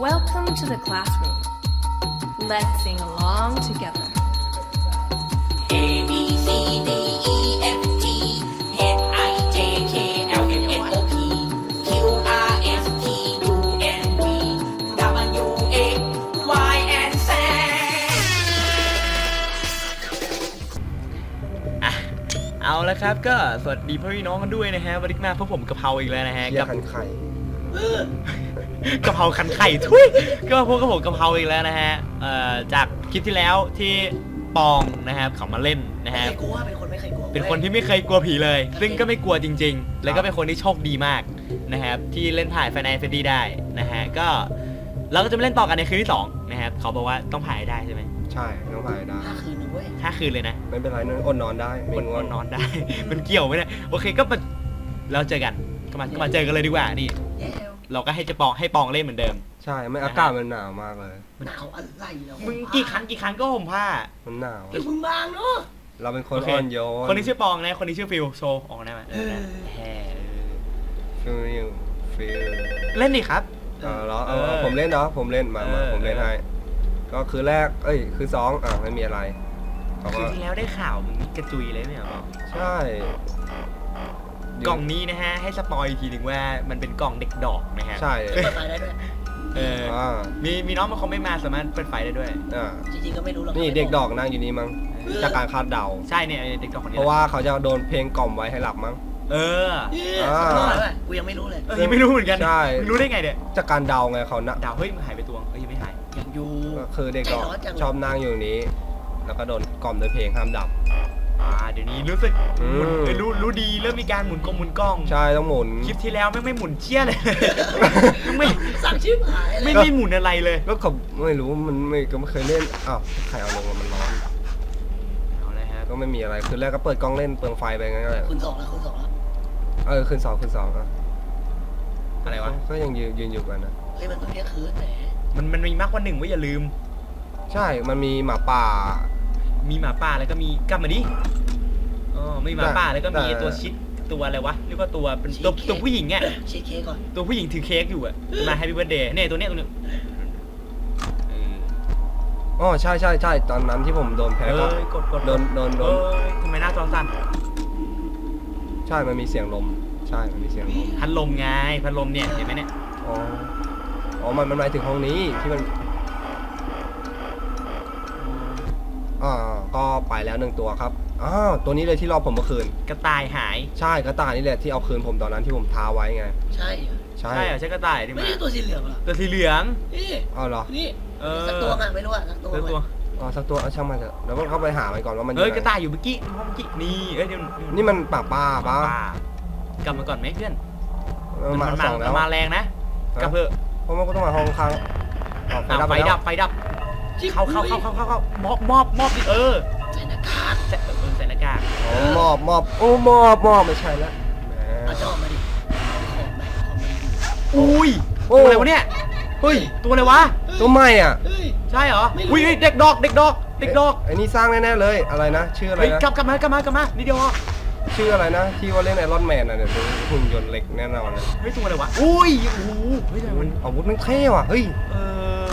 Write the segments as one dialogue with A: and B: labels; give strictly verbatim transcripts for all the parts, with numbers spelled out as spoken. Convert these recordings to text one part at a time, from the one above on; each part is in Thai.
A: Welcome to the classroom. Let's sing along together.
B: A B C D E F G H I J K L M N O P Q R S T U N V W X Y and Z
C: อ่ะเอาละครับก็สวัสดีพ่อพี่น้องกันด้วยนะฮะวันนี้มาพบผมกะเพราอีกแล้วนะฮะ
D: เชี่ย
C: กับ
D: คันไข่
C: กะเพราคันไข่ทุยก็มาพบกับผมกะเพราอีกแล้วนะฮะเอ่อจากคลิปที่แล้วที่ปองนะครับเขามาเล่นนะฮะ
B: ไม่กลัวเป็นคนไม่เคยกลัว
C: เป็นคนที่ไม่เคยกลัวผีเลย ซึ่งก็ไม่กลัวจริงๆ แล้วก็เป็นคนที่โชคดีมากนะครับที่เล่นผ่านไฟนอลเฟรดดี้ได้นะฮะก็เราก็จะมาเล่นต่อกันในคืนที่สองนะครับเขาบอกว่าต้องผ่านให้ได้ใช่ไหม
D: ใช่ต้องผ่านได้
B: ห้าคืนนึงเว้ย
C: ห้าคืนเลยนะ
D: ไม่เป็นไรนอนอดนอนได้ไม่
C: คน
D: ง่วง
C: นอนได้ มันเกี่ยวไหมเนี่ยโอเคก็มาเราเจอกันก็มาก็มาเจอกันเลยดีกว่านี่
B: แย่
C: เราก็ให้จะปองให้ปองเล่นเหมือนเดิม
D: ใช่ไม่อากาศมันหนาวมากเลย
B: หนาวอะไรแล้ว
C: มึงกี่ครั้งกี่ครั้งก็ห่มผ้า
D: มันหนาว
B: เดี๋ยวมึงบางเนาะ
D: เราเป็นคน
C: โอเค
D: อ่อนโยน
C: คนนี้ชื่อปองนะคนนี้ชื่อฟิลโชว์ออกได้ไหมเออได้แฮ่
D: ฟิลฟิลฟิล
C: เล่นดิครับ
D: เออเหรอเอ
C: เอ
D: อ
C: อ
D: ผมเล่นเนาะผมเล่นมามา
C: เออ
D: ผมเล่นให้ก็คือแรกเอ้ยคือสองอ่ะไม่มีอะไรเขา
C: คื
D: ก็
C: นที่แล้วได้ข่าวมึงกระจุยเลยไหมครับ
D: ใช่
C: กล่องนี้นะฮะให้สปอยอีกทีหนึ่งว่ามันเป็นกล่องเด็กดอกนะฮะ
D: ใช่
B: เปิดไฟได้ด้วย
C: เออ
D: อ่า
C: มีมีน้องมาคอมเมนต์มาสามารถเปิดไฟได้ด้วย
D: อ่า
B: จริงๆก็ไม่รู้หรอก
D: นี่เด็กดอกนั่งอยู่นี่มั้งจากการคาดเดา
C: ใช่เนี่ยเด็กดอกคนนี้
D: เพราะว่าเขาจะโดนเพลงกล่อมไว้ให้หลับมั้ง
C: เออ
B: เออสักหน่อยด้วยกูยังไม่รู้เลย
C: เออยังไม่รู้เหมือนกัน
D: ใช่
C: มึงรู้ได้ไงเนี่ย
D: จากการเดาไงเขานะ
C: ดาวเฮ้ยมึงหายไปตัวเอ้ยยังไม่หาย
B: ยังอยู่
D: ก็คือเด็กดอก
B: ใจร้อนจังเลย
D: ชอบนั่งอยู่ตรงนี้ แล้วก็โดนกล่อมด้วยเพลงห้ามดับ
C: อ่าเดี๋ยวนี้รู้สึก
D: อืม
C: หมุนเออรู้รู้ดีเริ่มมีการหมุนกล้องหมุนกล้อง
D: ใช่ต้องหมุน
C: คลิปที่แล้วไม่งไม่หมุนเชี่ยเลย ไม่
B: สั่งชิบหายเล
C: ไม่
B: ย
C: ไม่หมุนอะไรเลย
D: ก็เขาไม่รู้มันไม่ก็ไม่เคยเล่นอ้าวใครเอาลงมามันร้อน
C: เอาเลยครับ
D: ก็ไม่มีอะไรคือแรกก็เปิดกล้องเล่นเปลืองไฟไปงั้นแหละ
B: คุณสองแล้วคุณสองแล้ว
D: เออขึ้นสองขึ้นสองอ่ะ
C: อะไรวะ
D: ก็ยังยืนยืนอยู่กันนะ
B: เฮ้ยมันต้องเที่ยงคืนแหม
C: มันมันมีมากกว่าหนึ่งไว้อย่าลืม
D: ใช่มันมีหมาป่า
C: มีหมาป่าแล้วก็มีกลับมาดิอ๋อมีหมาป่าแล้วก็มี
D: แต่
C: ตัวชิดตัวอะไรวะเรียกว่าตัวเป็นตัวตัวผู้หญิงอ่ะ
B: ชีสเค้กก่อน
C: ตัวผู้หญิงถือเค้กอยู่อ่ะมาแฮปปี้เบิร์ดเดย์เนี่ยตัวเนี้ยตัวเนี้ยเออ
D: อ๋อใช่ใช่ใช่ตอนนั้นที่ผมโดนแพ้
C: เอ
D: ก็
C: อกดกด
D: โดนโดนโด
C: เอน อทำไมหน้าจอสั่น
D: ใช่มันมีเสียงลมใช่มันมีเสียงลม
C: พัดลมไงพัดลมเนี่ยเห็นไหมเนี่ย
D: อ๋ออ๋อมันมันหมายถึงห้องนี้ที่มันอ่าก็ไปแล้วหนึ่งตัวครับอ้าวตัวนี้เลยที่รอบผมเมื่อคืน
C: กระต่ายหาย
D: ใช่กระต่ายนี่แหละที่เอาคืนผมตอนนั้นที่ผมท้าไว้ไง
B: ใช่เหรอ
D: ใช่
C: ใช่เหรอใช่กระต่ายดิ
B: ไม่
C: มา
B: ใช่ตัวสีเหลืองเหรอ
C: ตัวสีเหลือง
B: นี่
D: เอาเหรอ
B: นี่
C: เออ
B: สักตัวอ่ะไม่รู้อ่ะสักตัว
C: ตัวตัว
D: อ๋อสักตัวเอาช่างมันเถอะเดี๋ยวมันเข้าไปหามันก่อนว่ามัน
C: เฮ้ย
D: งไง
C: กระต่ายอยู่เมื่อกี้ห้องเมื่อกี้นี่เอ้ยเดี๋ยวเดี๋ยว
D: นี่มันป่าป้าป้า
C: ป่ากลับมาก่อนไหมเพื่อน
D: มันมาสองแล้ว
C: มันมาแรงนะกลับเถอะ
D: เพราะมันก็ต้องมาห้องข้างอ๋อไฟ
C: อ้าว
D: ดับ
C: ไฟ
D: ไปแล้ว
C: ดับไฟดับเข้าเข้าเข้าเข้าเข้าเข้ามอบมอบมอบดิเออ
B: ใส่หน้ากาก
C: ใส่เออใส่หน้ากาก
D: อ๋อมอบมอบโอ้มอบมอบไม่ใช่แล้วแหม
B: เอาจอมาดิเอาของไปเอาของมาดิ
C: อุ้ย
D: โอ้
C: ตัวอะไรวะเนี่ย
D: เฮ้ย
C: ตัวอะไรวะ
D: ตัวใหม่อ่ะ
B: เฮ้ย
C: ใช่เหรอ
B: ไม่รู้
C: อุ้ยเฮ้ยเด็กดอกเด็กดอกเด็กดอก
D: ไอ้นี่สร้างแน่ๆเลยอะไรนะชื่ออะไร
C: เฮ้ย
D: นะ
C: กลับกลับมากลับมากลับมานี่เดียวพอ
D: ชื่ออะไรนะที่ว่าเล่นไอรอนแมนอ่ะเดี๋ยวดูหุ่นยนต์เหล็กแน่นอนเลย
C: เฮ้ยตัวอะไรวะอุ้ยโอ้โหเฮ้ยทำไมมัน
D: อาวุธมันเท่ว่ะเฮ้ย
C: เออ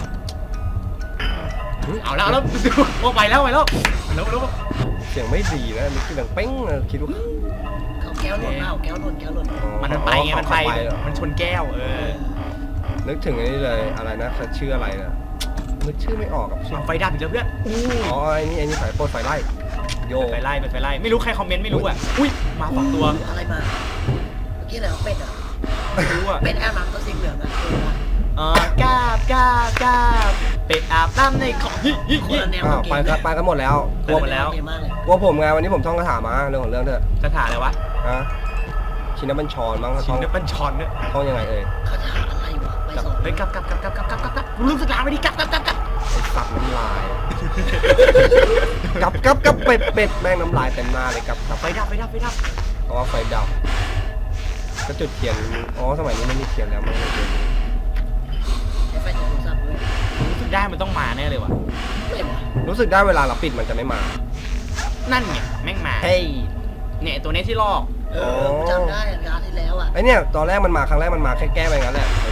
C: เอาแล้วเอาแล้วโอ้ไปแล้วไปแล้วแล้วแล้ว
D: เสียงไม่ดีนะมันคือดังเป้งอะคิดว่า
B: เขาแก้วหล่นเปล่าแก้วหล่นแก้วหล่น
D: อ๋อ
C: มันมันไปไงมันไป
D: เขาเหรอ
C: มันชนแก้วเออ
D: นึกถึงอันนี้เลยอะไรนะเขาชื่ออะไรนะนึกชื่อไม่ออกกับชื่อ
C: เอาไฟดับอีกแล้วเพื่อนอู้
D: อ๋อไอ้นี่ไอ้นี่สายโปรดไฟไล่โย
C: ไฟไล่ไฟไล่ไม่รู้ใครคอมเมนต์ไม่รู้อ่ะอุ้ยมาสองตัว
B: อะไรมาเมื่อกี้อะไรวะเป็ดอ่ะ
C: ไม่รู้อ่ะ
B: เป็ดแอบน้ำตัวสีเหลืองอ่ะเออว่ะ
C: เออกราบกราบกราบเป็ดอาบน้ำในของฮิฮิ
B: คน
C: ฮิ
B: ละแนว
D: อ้าว
B: เก
D: ไป
B: ม
D: กันไปกันหมดแล้ว
C: ไปหมดแล้ว
B: เกมมากเลย
D: กลัวผมไงวันนี้ผมท่องคาถามาเรื่องของเรื่องเถอะ
C: คาถาอะไรวะ
D: ฮะชินบัญชรมั้ง
C: ชิ
D: ท่
C: น
D: อง
C: เนปัญชอนเนี่ย
D: ท่องยังไงเอ่ย
B: เขาถามอะไรวะไปสอน
C: เฮ้ยกลับกลับกลับกลับกลับกลับกลับกลับรู้สึกลาไปดิกลับกลับกลับกลับ
D: ไอ้สัตว์น้ำลายกับกับกับเป็ดเป็ดแม่งน้ำลายเต็มหน้าเลยกับกับ
C: ไฟดับไฟดับไฟดับ
D: เพราะว่าไฟดับก็จุดเทียนอ๋อสมัยนี้ไม่มีเทียนแล้วมันไม่เทียน
B: ไอ้ไฟจากโทรศัพท์ด้วย
C: รู้สึกได้มันต้องมาแน่เลยว่ะ
B: ไม่วะ
D: รู้สึกได้เวลาเราปิดมันจะไม่มา
C: นั่นไงแม่งมา
D: เฮ้ย
C: เนี่ยตัวนี้ที่ลอก
B: เออจำได้งานที่แล้วอ่ะ
D: ไอเนี่ยตอนแรกมันมาครั้งแรกมันมาแค่แก้ไปงั้นแหละ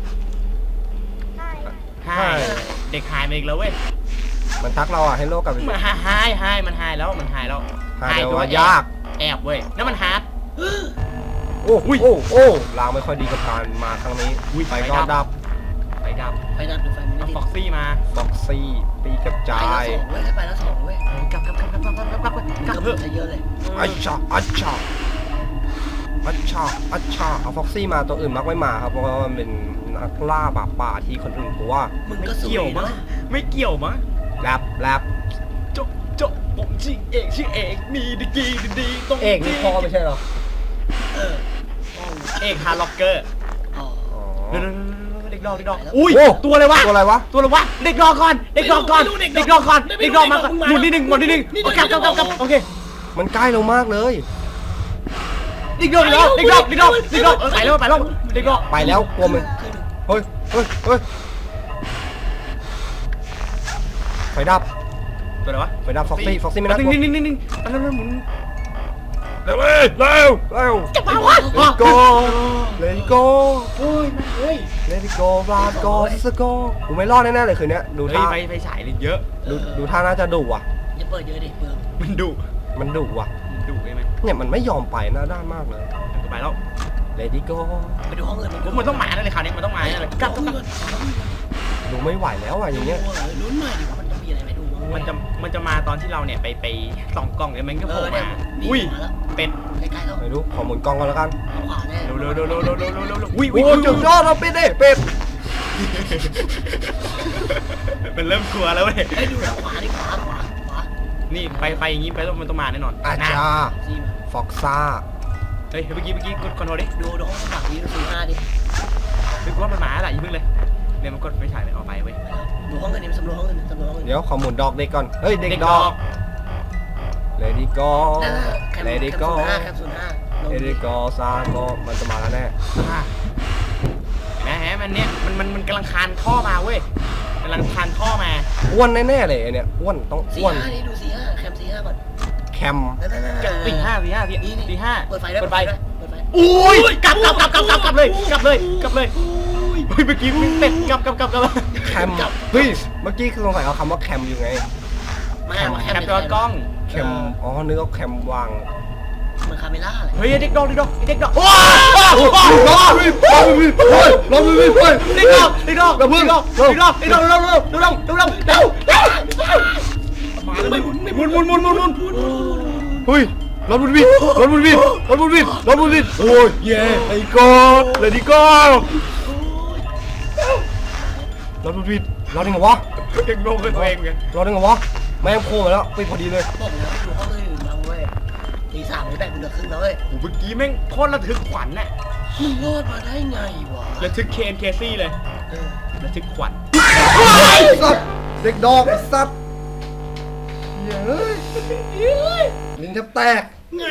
C: หายเด็กหายมาอีกแล้วเว้ย
D: มันทักเราอ่ะให้โลกกลับไป
C: มันหายหายหายมันหายแล้วมันหายแล้ว
D: หายเดี๋ยว
C: ตัว
D: ว่า
C: แอบ
D: ยาก
C: แอบเว้ยนั่นมันฮาร์ด
D: โอ้โอ้โอ้ลางไม่ค่อยดีกับการมาครั้งนี้
C: อุ้ย
D: ไป
C: ไฟ
D: ก็
C: ดั
D: ดั
C: บบ ไฟดับ
E: ไฟดับหรือไฟไม่
C: เอา
E: ติด
C: ฟ็อกซี่มา
D: ฟ็อกซี่ปีกระ
E: ไป
D: จา
E: แล้ว
D: ย
E: สองเว้ยให้ไปแล้วสองเว้ย
C: เออกลับกลับกลับกลับกลับกลับกลับกลับกลับ
E: ก
C: เถ
E: ระ
C: อะ
E: เพื่อเยอะเลย
D: อัชชาอัชชาอัชชาอัชชาเอาฟ็อกซี่มาตัวอื่นมักไม่มาครับเพราะว่ามันเป็นนักล่าป่าป่าที่คนอื่นกลัว
E: มึง
C: ไม่
E: ก็สว
C: เกี่ยวย มั้ง
E: เนาะ
C: ไม่เกี่ยวมั้ง
D: แรปแรป
C: จบจบผมชื่อเอกชื่อเอกมีดีกีดีดีตรง
D: เอกนี่พ่อไม่ใช่เหรอ
E: เออ
C: เอกฮาร์ล็อกเกอร์
E: อ๋อ
D: อ๋อ
C: เดี๋ยวๆๆเด็กดอกเด็กดอก
E: ไปแล้ว
C: อุ้ย
D: โอ้
C: ตัวอะไรวะ
D: ตัวอะไรวะ
C: ตัวอะไรวะเด็กดอกก่อนเด็กดอกก่อนเด็กดอกก่อนเด็กดอกมาก่อนหมุนนิดนึงหมุนนิดนึงโอเคกลับกลับกลับโอเค
D: มันใกล้เรามากเลย
C: เด็กดอกเด็กดอกเด็กดอกเด็กดอกเออไปแล้วไปแล้วเด็กดอก
D: ไปแล้วกลัวมันเฮ้ยเฮ้ยเฮ้ยไฟดับ
C: ตัวอะไรวะ
D: ไฟดับฟ็อกซี่ฟ็อกซี่ไม่น่าก
C: นิ่
D: ลัว
C: งนิ่งนิ่งนิ่งไปแล้วหมุน
D: เร็วเว้ยเร็วเร็ว
C: จะมาวะ
D: Let go Let go
C: โอ้ยมาเฮ้ย
D: Let go Let go Let go กูไม่รอดแน่ๆเลยคืนนี้ดู
C: เฮ้ย
D: ท่า
C: ไปไปฉายเลยเยอะ
D: ดูดูท่าน่าจะดุว่ะ
E: อย่าเปิดเยอะดิเปลือง
C: มันดุ
D: มันดุว่ะ
C: มันดุใช่ไหม
D: เนี่ยมันไม่ยอมไปหน้าด้านมากเลย
C: มันก็ไปแล้ว
D: Let go
E: ไปดูห้องอื่น
C: ผมมันต้องมาแน่เลยคราวนี้มันต้องมาแน่เลยกลับกลับกลับ
D: ดูไม่ไหวแล้วอ่ะอย่างเงี้ย
E: ลุ้นหน่อยดิว่ามันจะมีอะไรให้ดูบ้าง
C: มันจะมันจะมาตอนที่เราเนี่ยไปไปส่องกล้องเนี่ยมันก็
E: เอ
C: โผล่
E: อเนี่ย
C: มา
E: นี่
C: อุ้ย
E: มาแล้ว
C: เป็ด
E: ใกล้ๆแล้ว
D: ไม่รู้ขอหมุนกล้องก่อนแล้วกัน
E: เอาขวาแน่
C: เร็วเร็วเร็วเร็วเร็วเร็วเร็วเร็วเร็วอุ้ย
D: โอ้
C: อุ้ย
D: โหจุดยอดเราเป็ดเด้เป็ด
C: มันเริ่มกลัวแล้วเว้ย
E: เฮ้ยดูทางขวาดิขวาขวาขวา
C: นี่ไปไปอย่างงี้ไปแล้วมันต้องมาแน่นอน
D: อา
C: นะ
D: จารย์
E: ซีมา
D: ฟ็อกซ่า
C: เฮ้ยเมื่อกี้เมื่อกี้กดคอนโทรลดิ
E: ดูดูห้องข้างหลังนี้ดูสี่ห้าดิ
C: คือว่ามันมาแล้วอย่าเพิ่งเลยเนี่ยมันกดไฟฉายเลยออกไปเว้ย
E: ดูห้องอื่นดิสำรวจห้องอื่นสำรวจห้องอื่น
D: เดี๋ยวขอหมุนดอกเด็กก่อนเฮ้ยเด็กดอก Let it go
E: นั่นน่ะแคม
D: Let
E: แค
D: it
E: ม
D: go
E: ศูนย์ห้าแคมศูนย์ห้าลง
D: Let
E: ดิ
D: it go ซาโกมันจะมาแล้วแน่
C: อ่ะเห็นะฮะมันเนี่ยมันมันมันกำลังคานท่อมาเว้ยกำลังคานท่อมา
D: อ้วนแน่ๆเลยไอ้เนี่ยอ้วนต้อง
E: สี่
D: อ้วน
E: ห้านี่ดูสี่ห้าแคมสี่ห้าก่อน
D: แคม
E: นั่นนั่นนั่น
C: สี่ห้าสี่ห้าสี่
E: นี่นี่
C: สี่ห้า
E: เปิดไฟด้วย
C: เปิดไฟ
E: ด้วยเปิดไฟ
C: อุ้ยกลับกลับกลับกลับกลับกลับเลยกลับเลยกลับเลยอุ้ยเมื่อกี้มึงเป็ดกลับกลับกลับกลับ
D: แคมเฮ้ยเมื่อกี้คือสงสัยเอาคำว่าแคมอยู่ไง
E: ไม่
C: แคม
E: ว่า
C: แค
E: แค
C: ม
E: ม
C: จอกล้อง
D: แคมอ๋อนึกว่าแคมวาง
E: เหมือนคาเมล่าเลย
C: เฮ้ยเด็กดอกเด็กดอกเด็กดอกโอ้
D: รอวิรอวิเฮ้ยรอวิเฮ้ย
C: เด็กดอกเด็กดอกเด็กดอกเด็กดอกเด็กดอกเร็วเร็วเร็วเร็วเร็วเร็วเร็วมาแล้วไม่หมุนไม่หมุนหมุนหมุนหมุนหมุน
D: เฮ้ยรถบุญวิทรถบุญวิทรถบุญวิทรถบุญวิทโอ้ยเย่ไอ้กอดเลยดิกอดรถบุญวิทรอดยังไงวะ
C: ยังงงกับตัวเองไง
D: รอดยังไงวะแม่งโผล่มาแล้วปิดพอดีเลย
E: บอกแล้วดูห้องอื่นมาเว้ยตีสามไม่แบ่งเป็นเดือนครึ่งแล้วเว้ย
C: โอ้เมื่อกี้แม่งโคตรระทึกขวัญน่ะ
E: มึงรอดมาได้ไงวะ
C: ระทึกเคนเคซี่เลย
E: เออ
C: ระทึกขวัญ
D: สัตว์เด็กดอกไอ้สัตว์เฮ้ยลิ้นแทบแตก
E: ไง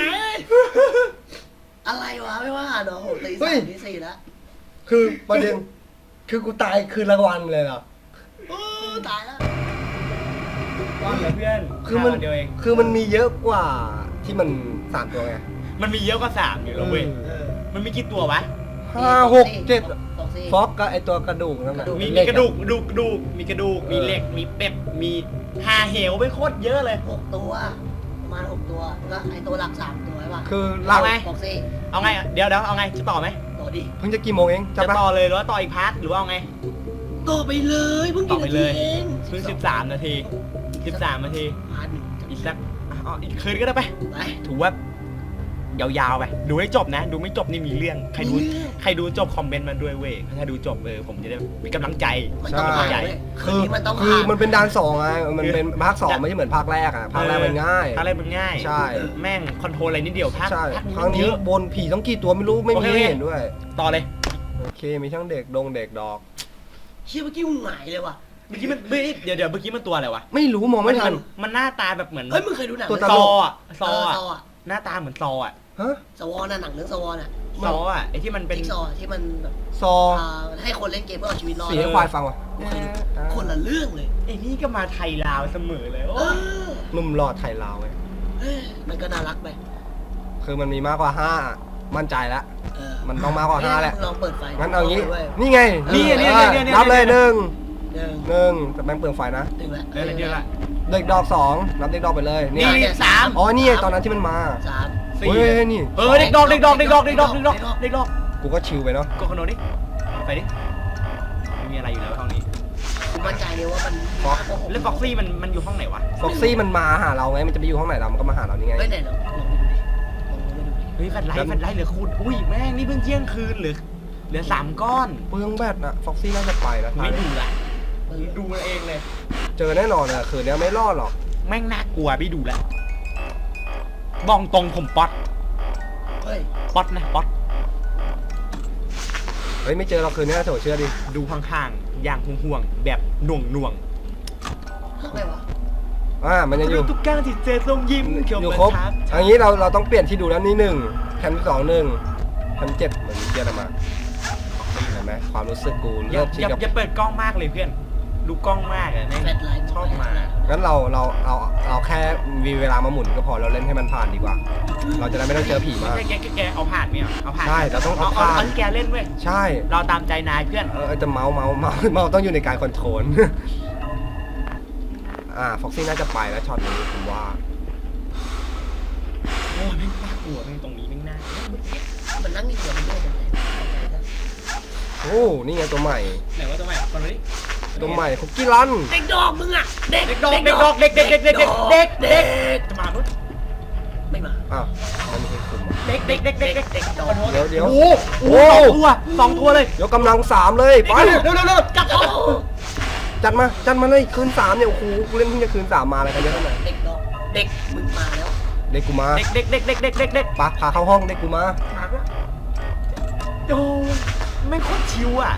E: อะไรวะไม่ว่าเนาะโหตี
D: เฮ้
E: สาย มตีสี่แล้ว
D: คือประเด็นคือกูตายคืนละวันเลยเหรอ
E: โอ้ตายแล้ว
C: ก้อนเหรอเพื่อน
D: คือมัน
C: เดียวเอง
D: คือมันมีเยอะกว่าที่มันสามตัวไง
C: มันมีเยอะกว่าสามอยู่แล้วเว้ย
E: เออ
C: มันมีกี่ตัววะ
D: ห้าหกเจ็ด
E: สองสี่
D: ฟอกกับไอตัวกระดูกนั่นแหละ
C: มี
D: เห
C: มี
D: ล็
C: กระดูกดูกกระดูกมีกระดูกมีเหล็กมีเป็ดมีหาเหวไปโคตรเยอะเลย
E: หกตัวประมาณหกตัวแล้วไอตัวหลักสามตัวใช่ป่ะ
D: คือเรา
C: เอาไง
E: บอกซี่
C: เอาไงเดี๋ยวเดี๋ยวเอาไงจะต่อไหม
E: ต่อดิ
D: เพิ่งจะกี่โมงเอง
C: จะ
D: จำได้
C: ต่อเลยหรือว่าต่ออีกพาร์ทหรือว่าเอาไง
E: ต่อไปเลยเพิ่ง
C: ต่
E: กี่
C: อไป
E: นา
C: เล
E: ที
C: ย
E: เอง
C: เพิ่งสิบสามนาทีสิบสามนาที
E: พาร์ทหนึ่ง
C: อีกสักอ๋ออีกคืนก็ได้ไป
E: ไป
C: ถือว่ายาวๆไปดูให้จบนะ ดูไม่จบนี่มีเรื่องใครดู
E: มีเรื่อง
C: ใครดูจบคอมเมนต์มาด้วยเว้ยถ้าดูจบเออผมจะได้มีกำลังใจ
E: มันต้องผ่านเว้ยคื
D: คื
E: น
D: อ
E: นี้มันต้อง
D: คือ
E: ผ่าน
D: มันเป็นดานสองไงมันเป็นภาคสองไม่ใช่เหมือนภาคแรกอ่ะภาคแรกมันง่าย
C: ภาคแรกมันง่าย
D: ใช่
C: แม่งคอนโทรลอะไรนิดเดียวภาค
D: ใช่
C: ภาค
D: ครั้ง
C: นี้
D: นี้
C: เยอะ
D: บนผีต้องกี่ตัวไม่รู้ไม่
C: โอ
D: มี
C: เค
D: ให้เห็นด้วย
C: ต่อเลย
D: โอเคมีทั้งเด็กดงเด็กดอก
E: เชี่ยเมื่อกี้มึงหงายเลยว่ะ
C: เมื่อกี้มันเฮ้ยเดี๋ยวเดี๋ยวเมื่อกี้มันตัวอะไรวะ
D: ไม่รู้มองไม่ทัน
C: มันหน้าตาแบบเหมือน
E: เฮ้ยมึงเคยดูหนัง
D: ตัว
E: เรื่
D: ต
E: อง
C: ซ
D: ล
C: อก อ่ะซอ
E: เออ
C: อ่ะ
E: ซออ่ะ
C: หน้าตาเหมือนซออ่ะ
D: ฮะ
E: สวอน่ะหนังเรื่องสวอน่ะ
C: ซออ่ะไอที่มันเป็น
E: จิ๊กซอว์ที่มันแบบ
D: ซอ
E: อ่าให้คนเล่นเกมเพื่อเอาชีวิตรอด
D: สีให้ควายฟังวะ
E: กูเคยดูคนละเรื่องเลย
C: ไอ้นี่ก็มาไทยลาวเสมอเลยโอ้
E: เออ
D: หนุ่มหล่อไทยลาวไง
E: เอ้ยมันก็น่ารักไป
D: คือมันมีมากกว่าห้ามั่นใจแล้ว
E: เออ
D: มันต้องมากกว่าห้าแหละ
E: มึงลองเปิดไฟ
D: งั้นเอางี้
E: ว้ย
D: นี่ไง
C: นี่
D: เออ
C: เนี่ยเนี่ยเนี่ย
D: นับเลยหนึ่ง
E: หนึ่ง
D: หนึ่งแต่แม่งเปลืองไฟนะ
E: หนึ่งละ
C: เออเดี๋ยวละ
D: เด็กดอกสองนับเด็กดอกไปเลย
E: นี่
D: นี่
E: เนี่ยสาม
D: อ๋อนี่ไงตอนนั้นที่มันมา
E: สาม
C: สี่
D: เฮ้ยนี่
C: เออเด็กดอกเด็กดอกเด็กดอกเด็กดอกเด็กดอกเด็กดอก
D: กูก็ชิลไปเนาะ
C: กดคอนโดดิไปดิไม่มีอะไรอยู่แล้วห้องนี้
E: กูมั่นใจเลยว่ามัน
D: ฟ็อก
C: แล้วฟ็อกซี่มันมันอยู่ห้องไหนวะ
D: ฟ็อกซี่มันมาหาเราไงมันจะไปอยู่ห้องไหนเรามันก็มาหาเรานี่ไง
E: ไม่ไหนหรอกลองไปดูดิลองไปดูดิ
C: เฮ้ยแฟลชไลท์แฟลชไลท์เหลือคูณอุ้ยแม่งนี่เพิ่งเที่ยงคืนเหลือเหลือสามก้อน
D: เปลืองแบตนะฟ็อกซี่น่าจะไปแล้ว
C: ไม่ดูละดูเองเลย
D: เจอแน่นอนเลยคืนนี้ไม่รอดหรอก
C: แม่งน่ากลัวพี่ดูแลวบองตรงผมป๊อต
E: เฮ้ย
C: ป๊อตนะป๊อต
D: เฮ้ยไม่เจอเราคืนนี้นะโถเชื่อดิ
C: ดูข้างๆอย่างห่วงๆแบบหน่วงหน่วง
E: เรื่องอะไรวะ
D: อ่ามันยังอยู่
C: ทุกการที่เจอทรงยิ้ม
D: อยู่ครบอันนี้เราเราต้องเปลี่ยนที่ดูแล้วนี่หนึ่งแคมที่สองหนึ่งแคมเจ็ดเหมือนเกียร์มาเห็นไหมความรู้สึกกู
C: อย่า
D: เริ่มชิ
C: อน ย่า
D: กับ
C: อย่าเปิดกล้องมากเลยเพื่อน ดูกล้องมากอะแม่ง
E: แฟลชไลท์
C: ชอบมา
D: งั้นเราเราเราเราแค่มีเวลามาหมุนก็พอเราเล่นให้มันผ่านดีกว่า เราจะได้ไม่ต้องเจอผีมาก
C: แกแกแกเอาผ่านเนี่ยเอาผ่าน
D: ใช่เราต้องเอา
C: เอา
D: ผ่าน
C: เอาที่แกเล่นเว้ย
D: ใช่
C: เราตามใจนายเพื่อน
D: เออจะเมาส์เมาส์เมาส์เมาส์ต้องอยู่ในการคอนโทรล อ่าฟ็อกซี่น่าจะไปแล้วช็อตนี้ผมว่า
C: โอ้ยแม่งน่ากลัวแม่งตรงนี้แม่งน่า
E: มันนั่งนี่เดี๋ยวมันโยกกันเลย
D: โอ้นี่ไงตัวใหม่
C: ไหนว่าตัวใหม่คนนี้
D: ตัวใหม่คุกกี้รัน
E: เด็กดอกมึงอ่ะเด็ก
C: เด็กดอกเด็กดอกเด็กเด็กเด็กเด็กเด็กเด็กเด็กจะมาลุ้น
E: ไม่มา
D: อ้าวมันไม่ใช่คุม
C: เด็กเด็กเด็กเด็กเด็กเด็กดอก
D: เดี๋ยวเดี๋ยว
C: โอ้โหสองตัวสองตัวเลย
D: เดี๋ยวกำลังสามเลยไป
C: เร็วเร็วเร็วจับเขา
D: จัดมาจัดมาเลยคืนสามเนี่ยโอ้โหกูเล่นเพิ่งจะคืนสามมาอะไรกันเยอะขนาดไหน
E: เด็กดอกเด็กมึงมาแล้ว
D: เด็กกูมา
C: เด็กเด็กเด็กเด็กเด็กเด็กเด็ก
D: ปะพาเข้าห้องเด็กกูมา
C: โอ้ไม่งโคตรชิวอ่ะ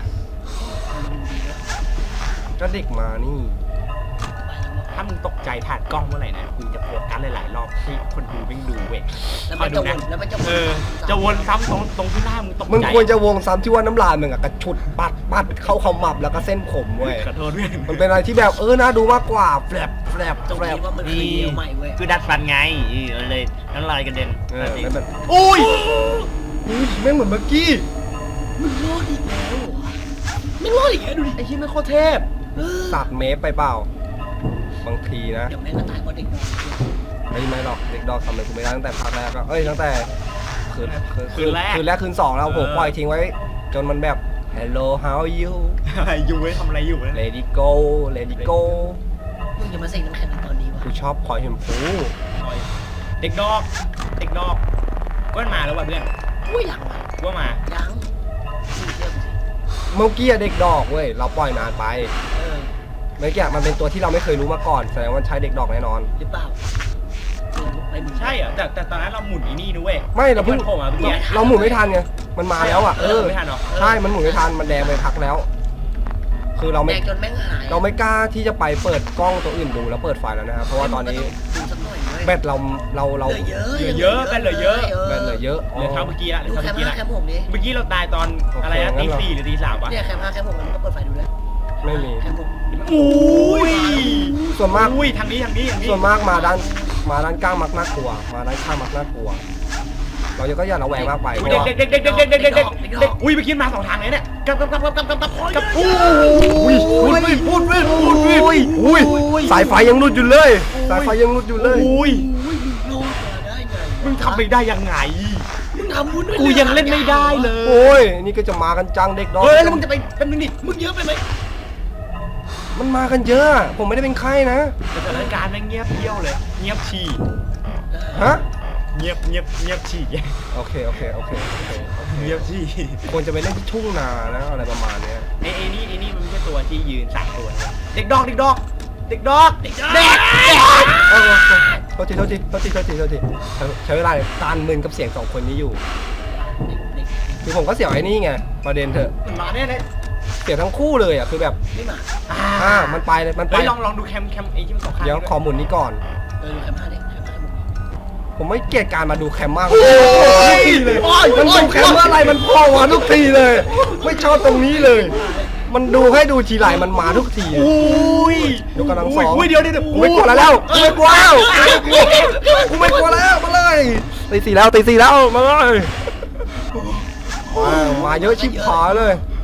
D: ก็เด็กมานี่
C: ถ้ามึงตกใจผ่านกล้องเมื่อไหร่นะกูจะโฟกัสหลายๆรอบให้คนดูวิ่งดูเว้ย
E: แล้ว
C: ค
E: มั
C: อย
E: น
C: ดู
E: จะว
C: นะ
E: นแล้วมันจะวน
C: เออจะวนซ้ำตรงตรงที่หน้ามึงตกใจ
D: มึงควรจะวงซ้ำที่ว่าน้ำลายมึงอะกระชุดปัดปัดเข้าขมับแล้วก็เส้นผมเว้ย
C: ขอโทษด้วย
D: มันเป็นอะไรที่แบบเออน่าดูมากกว่าแฝบแฝบ
E: ตรง
D: แฝบ
E: นี้ว่ามันคือเดียวใหม่เว้ย
C: คือดัดฟันไงเออเลยน้ำลายกระเด็น
D: เออแล้วแบบ
C: อุ้ย
D: อุ้ยแม่งเหมือนเมื่อกี้
E: มึงรอดอีกแล้วเหรอวะไม่รอดอีกแล้วดูดิ
C: ไอ้ที่ไม่โคตรเทพ
E: เออ
D: ตัดเมฟไปเปล่า บางทีนะ
E: เดี๋ยวแม่งก็ตายเพราะเด็กดอก
D: ไม่ไม่หรอกเด็กดอกทำอะไรกูไม่ได้ตั้งแต่ภาคแรกก็เอ้ยตั้งแต่คืนคืน
C: คืนแรก
D: คืนแรกคืนสองแล้วผม
C: เออ
D: ปล่อยทิ้งไว้ จนมันแบบ hello how are you
C: อยู่ไว้ทำอะไรอยู่นะ
D: lady go lady go
E: มึงอย่ามาเซ็งน้ำแข็งในตอนนี้วะ
D: กูชอบคอยเห็นผู
C: เด็กดอกเด็กดอกก็มาแล้วว่ะเพื่อน
E: อุ้ยยังวะ
C: ว่ามา
E: ยังมึงเชื่อกูสิ
D: เมื่อกี้อะเด็กดอกเว้ยเราปล่อยนานไป
E: เออ
D: เมื่อกี้อะมันเป็นตัวที่เราไม่เคยรู้มาก่อนแสดงว่าใช้เด็กดอกแน่นอน
E: หรือเปล่ามึงไปมึง
C: ใช่เหรอแต่แต่ตอนนั้นเราหมุนอีนี่นะเว้ย
D: ไม่เราเพิ่ง
C: โผล่มาเมื่อกี้
D: เราหมุนไม่ทันไงมันมาแล้วอ่ะ
C: เอ
D: เอ
C: อ
D: อ
C: ไม่ทันหรอ
D: ใช่มันหมุนไม่ทันมันแดงไปพักแล้ว คือเรา
E: แด
D: ไม่
E: งจนแม่งหาย
D: เราไม่กล้าที่จะไปเปิดกล้องตัวอื่นดูแล้วเปิดไฟแล้วนะครับเพราะว่าตอนนี้
E: ดูสักหน่อยเว้ย
D: แบตเราเราเรา
E: เหลือเยอะ
C: เหลือเยอะเป็นเหลือเยอะ
D: แบตเหลือเยอะ
C: เหลือเท่าเมื่อกี้ละเหลื
E: ดู
C: อเท่า
E: แค
C: เมื่
E: ม
C: อกี้
E: ห้า
C: ละ
E: แคมหกดิ
C: เมื่อกี้เราตายตอนอะไรนะตีสี่หรือตีสามวะ
E: เนี่ยแคมห้าแคมหกมันก็เปิดไฟดูด้วย
D: ไม่มี
E: แคมหก
C: อุ้ย
D: ส่วนมาก
C: อุ้ยทางนี้ทางนี้ทางนี้
D: ส่วนมากมาด้านมาด้านกลางมักน่ากลัว มาด้านข้างมักน่ากลัว เราจะก็อย่าระแวงมากไปเพ
C: อุ้ย
D: ราะ
C: เด็ก
D: ว่า
C: เด็กเด็กเด็กเด็กเด็กเด็กเด็กเด็กอุ้ยเมื่อกี้มาสองทางเลยเนี่ยกลับกลับกลับกลับกลับกลับกลับอุ้ย
D: พูดวิพูดวิพูดวิอุ้ยสายไฟยังรุดอยู่เลย สายไฟยังรุดอยู่เลย
C: อุ้ย
E: อุ้ยมึงรอดมาได้ไง
C: มึงทำไปได้ยังไง
E: มึงทำบุญด้วย
C: กูยังเล่นไม่ได้เลย
D: โอ้ยนี่ก็จะมากันจังเด็กดอก
C: เฮ้ยแล้วมึงจะไปเป็นมินิ
E: มึงเยอะไปไหม
D: มันมากันเยอะ ผมไม่ได้เป็นไข้นะ
C: สถานการณ์แม่งเงียบเที่ยวเลย เงียบฉี่
D: ฮะ
C: เงียบเงียบเงียบฉี่
D: โอเคโอเคโอเคโอเคโอเค
C: เงียบฉี่
D: ควรจะไปเล่นที่ทุ่งนานะอะไรประมาณเนี้ย
C: ไอ้ไอ้นี่ไอ้นี่มันไม่ใช่ตัวที่ยืนสามตัวนะเด็กดอกเด็กดอกเด็กดอกเด็กเด็ก
D: โอ้โหโทษทีโทษทีโทษทีโทษทีโทษทีใช้ใช้เวลาตานมึนกับเสียงสองคนนี้อยู่
E: เด็ก
D: คือผมก็เสียวไอ้นี่ไงประเด็นเถอะ
C: มันมาแน่เลย
D: เสียวทั้งคู่เลยอ่ะคือแบบ
E: ไม่มา
D: อ่ามันไปเลยมันไป
C: เฮ้ยลองลองดูแคมแคมไอ้ที่มันสองข้าง
D: เดี๋ยวขอหมุนนี้ก่อน
E: เออดูแคมห้าเด็กแคมห้าหมด
D: ผมไม่เกลียดการมาดูแคมมาก
C: โอ้ย
D: เลยมันดูแคมเมื่อไหรมันพ่อมาทุกทีเลย ไม่ชอบตรงนี้เลย มันดูให้ดูทีไรมันมาทุกที
C: อุ้ย
D: ยกกำลังสอง
C: อุ้ยเดี๋ยวเดี๋ยวเดี๋ยว
D: กูไม่กลัวแล้วแล้วกูไม่กลัวแล้วกูไม่กลัวแล้วมาเลยตีสี่แล้วตีสี่แล้วมาเลยว้าวมาเยอะชิบหายเลย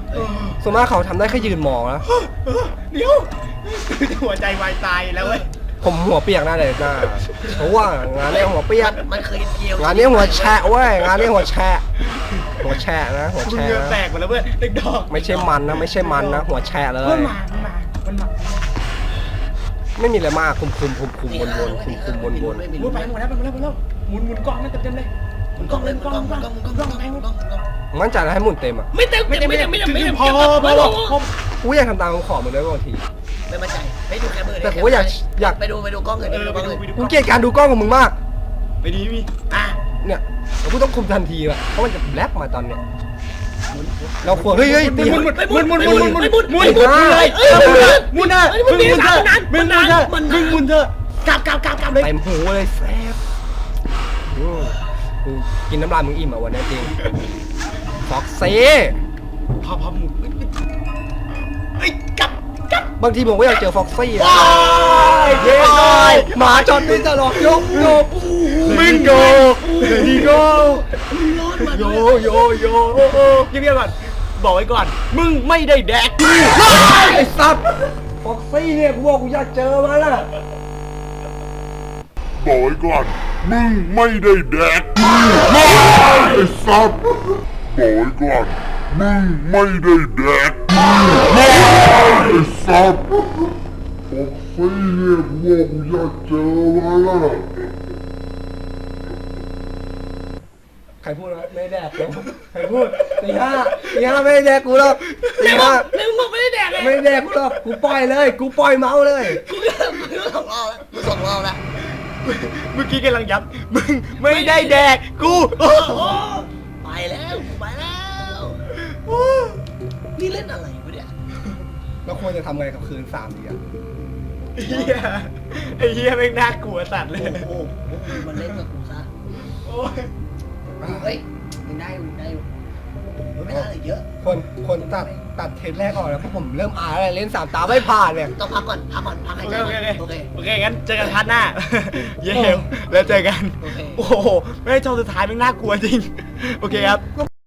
D: ส่วนมากเขาทำได้แค่ยืนมองนะ
C: เดี๋ยวหัวใจวายตายแล้วเว้ย
D: ผมหัวเปียกหน้าเลยหน้าเพราะว่างานนี้หัวเปียก
E: มันเคยเกี่ยว
D: งานนี้หัวแฉะเว้ยงานนี้หัวแฉะหัวแฉะนะหัว
C: มึง
D: แฉะ
C: เงือแต
D: นะ
C: กหมดแล้วเว้ยเด็กดอก
D: ไม่ใช่มันนะไม่ใช่มันนะหัวแฉะเล
C: มั
D: ย
C: นมามันมามันมา
D: ไม่มีอะไรมากคุมคุมคุมคุมวนวนคุมคุมวนวน
C: มุนไปหมดแล้วไปหมดแล้วไปหมดแล้วหมุนหมุนกล้องนั่นเต็มๆเลยหมุนกล้องเลยหมุนกล้องหมุนกล้องหมุนกล้องไปหมด
D: มั่นใจแล้วให้หมุนเต็มอ่ะ
E: ไม่เต็มไม่เต็มไม่เต็มไม่เต็มไม่เต็ม
C: พอพอพอพอ
D: กูอยากทำตามคำขอมึงด้วยบางที
E: ไม่มั่นใจไม่ดูแค่มือ
D: แต่ผมก็อยากอยาก
E: ไปดูไปดูกล้องเลย
C: เอ
E: ไป
C: อ
E: ดู
C: ไป
E: กล้องเลย
C: ดูไปดู
D: กูเกลียดการดูกล้องของมึงมาก
C: ไปดีมี
E: อ่ะ
D: เนี่ยกูต้องคุมทันทีอ่ะเพราะมันจะแบล็กมาตอนเนี้ยเราควรเฮ้ยเฮ้ย
C: หมุ
D: ตี
C: นหมุนหมุนหมุนหมุนหมุนหมุนหมุนหมุน
D: หมุน
C: เลยหมุนนะมึงหมุนเถอะมึงหมุนเถอะมึงหมุนเถอะ
E: กลับกลับกลับกลับเลย
D: เต็มหูเลยแซ่บอืมกูกินน้ำลายมึงอิ่มอ่ะวันนี้จริงฟ็อกซี่
C: พอพอหมุน
E: เฮ้ยกลับกลับบ
D: างทีผมก็อยากเจอฟ็อกซี่อะ
C: ว้ายเย้เลย
D: หมาจอดไม่จะหลอกยกโยก
C: มิงโกดีโก
E: ร้อนมา
C: โยโยโยเงียบๆก่อนบอกไว้ก่อนมึงไม่ได้แดก
D: ไอ้สัตว์ฟ็อกซี่เนี่ยกูบอกกูอยากเจอมันอ่ะ
F: บอกไว้ก่อนมึงไม่ได้แดกไอ้สัตว์บอกไว้ก่อนมึงไม่ได้แดกไอ้สัตว์บอกสิเนี่ยกูบอกกูอยากเจอมันอ่ะ
D: ใครพูดนะไม่ได้แดกเลยใครพูดตีห้าตีห้าไม่ได้แดกกูหรอกตีห้า
E: แล้วมึงบอกไม่ได้แดกเลย
D: ไม่ได้แดกกูหรอกกูปล่อยเลย กูปล่อยเมาส์เลย
E: กูก็กูสองรอบแล้วกูสองรอบแล้ว
C: เมื่อกี้กำลังย้ำมึงไม่ได้แดกกู
E: โอ้โหไปแล้วไปแล้วนี่เล่นอะไรวะเนี่ย
D: แล้วควรจะทำไงกับคืนสามดีอ่ะ
C: เฮียไอ้เฮียแม่งน่ากลัวสัตว์เลย
E: โอ้โหมันเล่นกับกูซะ
C: โอ้ย
E: เฮ้ยยังได้อยู่ได้อยู่ไม่ได้เลยเยอะ
D: คนคนตัดตัดเทปแรกออกแล้วเพราะผมเริ่มอายแล้วเล่นสามตาไม่ผ่านเนี่ย
E: ต้องพักก่อนพักก่อนพักหาย
C: โอ
E: ใจ
C: เค
E: ก่
C: โอ
E: อน
C: เค
E: โอเค
C: โอเคงั้นเจอกันพาร์ทหน้า เย้แล้วเจอกัน
E: โอเค
C: โอ้โหไม่ได้จอสุดท้ายแม่งน่ากลัวจริง โอเคครับ